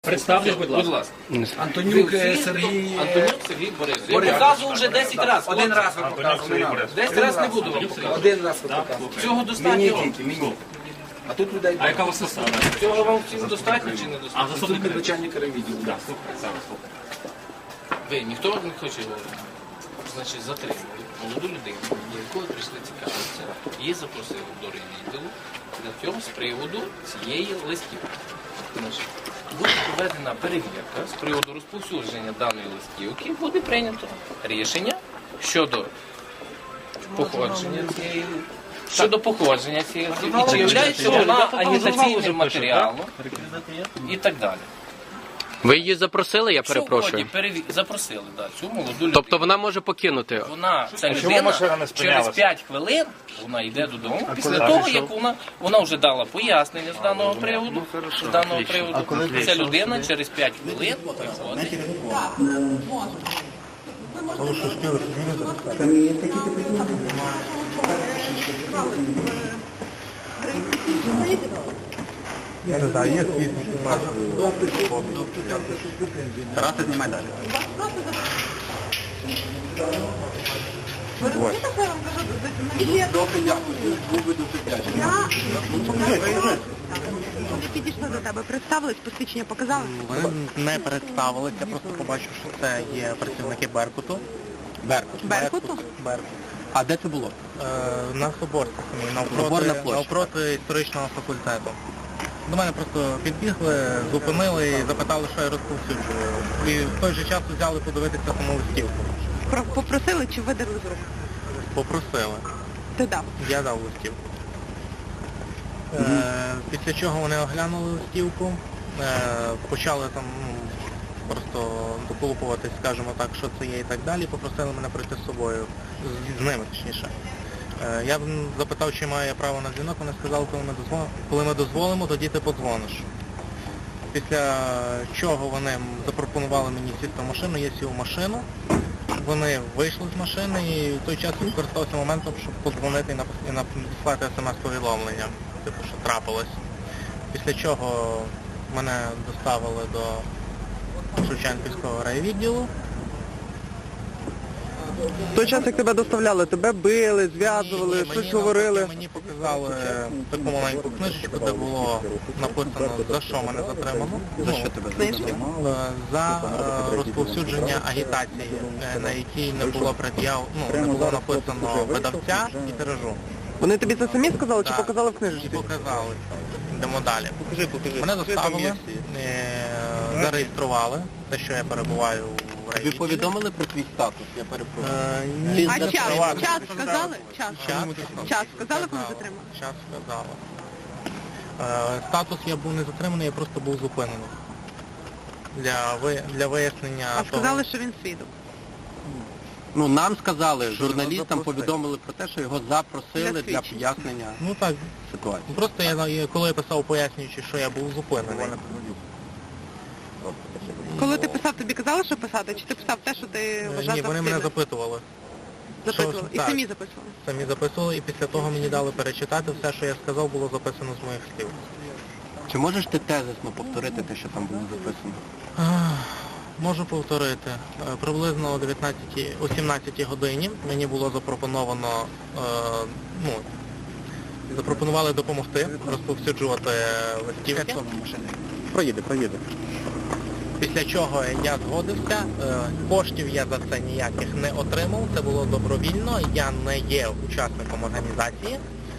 Представтесь, будь ласка. Антонюк Сергій. Антонюк Сергій Борисович. Я показував вже 10 разів. Один раз ви показували. 10 разів не буду вам показувати. Один раз ви показували. Цього Мені достатньо? тільки, мені. А тут людей А яка у вас посада? Цього вам всім достатньо чи не А достатньо? заступник тут начальника райвідділу. Так, слухай, зараз слухай. Ви, ніхто не хоче говорити. Значить, затримали молоду людину, до якої прийшли цікавитися, її запросили до райвідділу для цього з приводу цієї листівки. Значить, буде проведена перевірка з приводу розповсюдження даної листівки, буде прийнято рішення щодо походження цієї. Щодо походження цієї листівки, чи являється вона агітаційним матеріалом і так далі. Ви її запросили, я перепрошую? Сьогодні запросили цю молоду людину. Тобто вона може покинути? Вона, ця людина, через 5 хвилин вона йде додому, після того, як вона вже дала пояснення з даного приводу, ця людина через 5 хвилин виходить. Тараса, знімай далі. Вони підійшли до тебе, представились, посвідчення показали? Вони не представилися, я просто побачив, що це є працівники Беркуту. Беркуту? Беркут. А де це було? На Соборці самій, Соборна площа. навпроти історичного факультету. До мене просто підбігли, зупинили і запитали, що я розповсюджую. І в той же час взяли подивитися саму листівку. Попросили чи видали з рук? Попросили. Ти дав. Я дав листівку. Після чого вони оглянули листівку, почали там просто доколупуватись, скажімо так, що це є і так далі, попросили мене прийти з собою, з ними точніше. Я запитав, чи маю я право на дзвінок, вони сказали, коли ми дозволимо, тоді ти подзвониш. Після чого вони запропонували мені сісти в машину, я сів в машину, вони вийшли з машини і в той час скористався моментом, щоб подзвонити і надіслати смс-повідомлення, типу, що трапилось. Після чого мене доставили до Шевченківського райвідділу. В той час, як тебе доставляли, тебе били, зв'язували, щось говорили. Мені показали таку маленьку книжечку, де було написано, за що мене затримано. За що тебе затримали? За розповсюдження агітації, на якій не було не було написано видавця і тиражу. Вони тобі це самі сказали чи Так. показали в І книжці? показали. Йдемо далі. Мене доставили, зареєстрували, те, що я перебуваю в Ви райвідділі. повідомили про твій статус, я перепрошую. Ні. А час сказали? Час Час сказали, коли затримали? Час сказали. Статус я був не затриманий, я просто був зупинений. Для вияснення А сказали, що він свідок. Ну, нам сказали, журналістам запросили. повідомили про те, що його запросили Для для свідчень. пояснення Ну так, ситуації. просто коли я писав пояснюючи, що я був зупинений. Коли ти писав, тобі казали, що писати? Чи ти писав те, що ти вважав Ні, за вони мене потрібне? запитували. Записували. І так. самі записували. Самі записували, і після того мені дали перечитати. Все, що я сказав, було записано з моїх слів. Чи можеш ти тезисно повторити те, що там було записано? Можу повторити. Приблизно о 17 годині мені було запропоновано, запропонували допомогти розповсюджувати листівки. Проїде. Після чого я згодився, коштів я за це ніяких не отримав, це було добровільно, я не є учасником організації.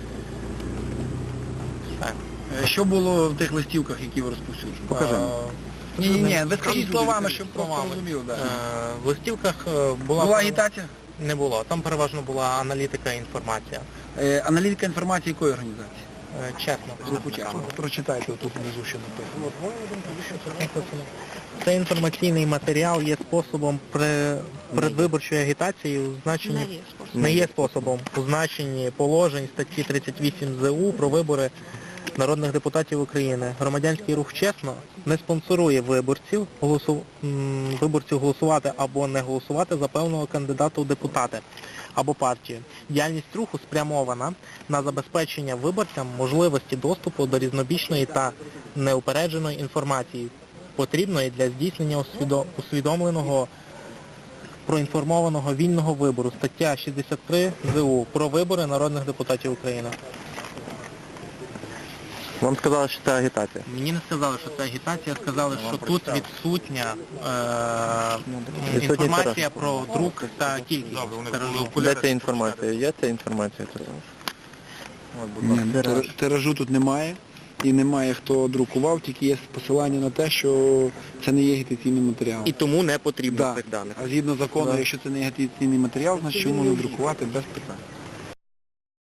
Все. Що було в тих листівках, які ви розповсюджували? Покажи. Ні, ви скажіть словами, щоб просто розумів. В листівках Була агітація? Не було. Там переважно була аналітика і інформація. Аналітика інформації якої організації? Чесно. Прочитайте, тут внизу що написано. Цей інформаційний матеріал є способом предвиборчої агітації у значенні не є способом у значенні положень статті 38 ЗУ про вибори народних депутатів України. Громадянський рух «Чесно» не спонсорує виборців голосувати або не голосувати за певного кандидата у депутати або партію. Діяльність руху спрямована на забезпечення виборцям можливості доступу до різнобічної та неупередженої інформації, потрібної для здійснення усвідомленого, проінформованого вільного вибору. Стаття 63 ЗУ про вибори народних депутатів України. Вам сказали, що це агітація. Мені не сказали, що це агітація, сказали, що тут відсутня інформація про друк та кількість тиражу. Де ця інформація? Є ця інформація тут? Ні, тиражу тут немає. І немає хто друкував, тільки є посилання на те, що це не є агітаційний матеріал. І тому не потрібно Да. цих даних. А згідно закону, якщо це не агітаційний матеріал, значить його можна друкувати без питань.